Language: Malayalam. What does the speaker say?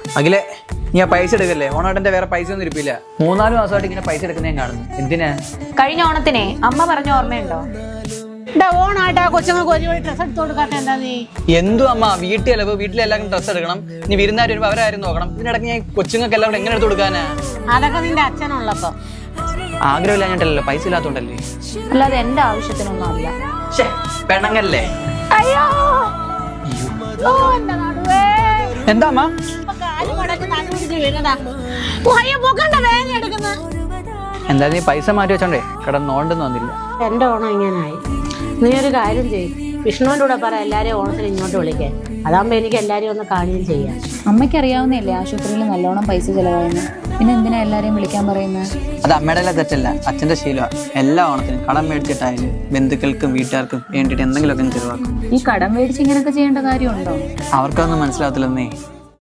അഖിലേ, നീ ആ പൈസ എടുക്കല്ലേ? ഓണാട്ടന്റെ വേറെ പൈസ ഒന്നും ഇരിപ്പില്ല. 3-4 മാസമായിട്ട് ഇങ്ങനെ പൈസ എടുക്കുന്നേ കാണുന്നു. എന്തിനാ? കഴിഞ്ഞ ഓണത്തിനെ അമ്മ പറഞ്ഞ ഓർമ്മയുണ്ടോ? ഓണായിട്ട് ആ കൊച്ചുങ്ങൾക്ക് ഒരു ഡ്രസ് എടുത്ത് കൊടുക്കാത്ത എന്താ നീ? എന്തു അമ്മ, വീട്ടിലോ വീട്ടിലെല്ലാവർക്കും ഡ്രസ്സ് എടുക്കണം. നീ വിരുന്നാർ വരുമ്പോ അവരാരും നോക്കണം. ഇതിനിടയ്ക്ക് ഞാൻ കൊച്ചുങ്ങൾക്ക് എല്ലാവരും എങ്ങനെ എടുത്ത് കൊടുക്കാനാ? അതൊക്കെ നിന്റെ അച്ഛനുള്ളപ്പോ. ആഗ്രഹമില്ലാഞ്ഞിട്ടല്ലോ, പൈസ ഇല്ലാത്തോണ്ടല്ലേ. അല്ലാതെ എന്റെ ആവശ്യത്തിനൊന്നും അല്ല. പെണ്ണങ്ങല്ലേ? അയ്യോ ഓ, എന്റെ നടുവേ. എന്താ അമ്മ? ഇപ്പൊ കാല് മടക്കി നടുപിടിച്ച് വീണതാ. ഓ, അയ്യോ, പൊക്കണ്ട, വേദന എടുക്കുന്നു. എന്താ നീ പൈസ മാറ്റി വെച്ചോണ്ടേ കിടന്നോണ്ടെന്ന് വന്നില്ല. എന്റെ ഓണം ഇങ്ങനായി. നീ ഒരു കാര്യം ചെയ്യും, വിഷ്ണുവിന്റെ കൂടെ പറ എല്ലാരെയും ഓണത്തിന് ഇങ്ങോട്ട് വിളിക്കാൻ. അതാകുമ്പോ എനിക്ക് എല്ലാരെയും ഒന്ന് കാണുകയും ചെയ്യാം. അമ്മയ്ക്ക് അറിയാവുന്നല്ലേ ആശുപത്രിയിൽ നല്ലോണം പൈസ ചെലവായെന്ന്. പിന്നെ എന്തിനാ എല്ലാരെയും വിളിക്കാൻ പറയുന്നത്? അത് അമ്മയുടെ എല്ലാം തെറ്റല്ല, അച്ഛന്റെ ശീലമാണ്. എല്ലാ ഓണത്തിനും കടം മേടിച്ചിട്ടായാലും ബന്ധുക്കൾക്കും വീട്ടുകാർക്കും വേണ്ടിയിട്ട് എന്തെങ്കിലുമൊക്കെ ചെലവാക്കും. ഈ കടം മേടിച്ച് ഇങ്ങനെയൊക്കെ ചെയ്യേണ്ട കാര്യമുണ്ടോ? അവർക്കൊന്നും മനസ്സിലാകത്തില്ലെന്നേ.